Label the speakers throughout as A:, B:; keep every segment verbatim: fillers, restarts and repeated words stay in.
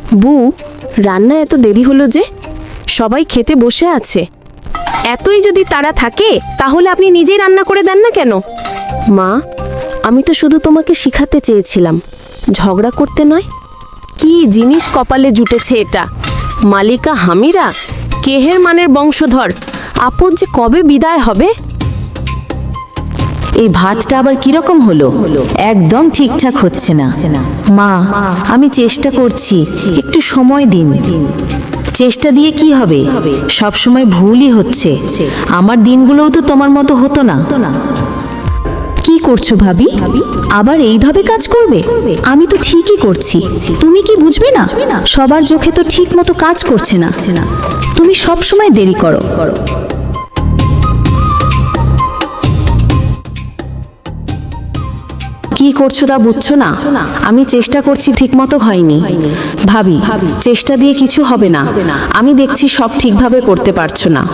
A: বউ, রান্না এত দেরি হলো যে? সবাই খেতে বসে আছে। এতই যদি তাড়া থাকে তাহলে আপনি নিজেই রান্না করে দেন না কেন? মা, আমি তো শুধু তোমাকে শিখাতে চেয়েছিলাম, ঝগড়া করতে নয়। কি জিনিস কপালে জুটেছে এটা! মালিকা হামিরা, কেহের মানের বংশধর। আপদ যে কবে বিদায় হবে?
B: এই ভাতটা আবার কিরকম হলো? একদম ঠিকঠাক হচ্ছে না। মা, আমি চেষ্টা করছি, একটু সময় দিন। চেষ্টা দিয়ে কি হবে? সব সময় ভুলই হচ্ছে। আমার দিনগুলোও তো তোমার মতো হতো না। কি করছো ভাবি? আবার এইভাবে কাজ করবে? আমি তো ঠিকই করছি, তুমি কি বুঝবে না? সবার চোখে তো ঠিক মতো কাজ করছে না। তুমি সব সময় দেরি করো।
A: কি করছো তা বুঝছো না? আমি চেষ্টা করছি, ঠিকমতো হয়নি। ভাবি, চেষ্টা দিয়ে কিছু হবে না। আমি দেখছি সব ঠিকভাবে করতে পারছো না।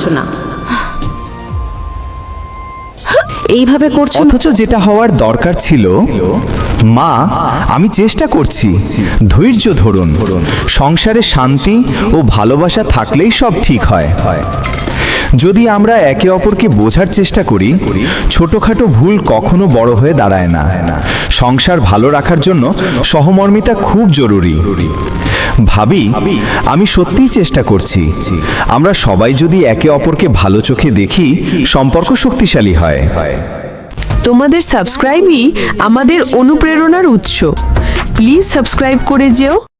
A: এইভাবে করছো না।
C: অথচ যেটা হওয়ার দরকার ছিল, মা আমি চেষ্টা করছি, ধৈর্য ধরুন। সংসারে শান্তি ও ভালোবাসা থাকলেই সব ঠিক হয়। যদি আমরা একে অপরকে বোঝার চেষ্টা করি, ছোটখাটো ভুল কখনো বড় হয়ে দাঁড়ায় না। সংসার ভালো রাখার জন্য সহমর্মিতা খুব জরুরি। ভাবি, আমি সত্যিই চেষ্টা করছি। আমরা সবাই যদি একে অপরকে ভালো চোখে দেখি, সম্পর্ক শক্তিশালী হয়।
D: তোমাদের সাবস্ক্রাইবই আমাদের অনুপ্রেরণার উৎস। প্লিজ সাবস্ক্রাইব করে যেও।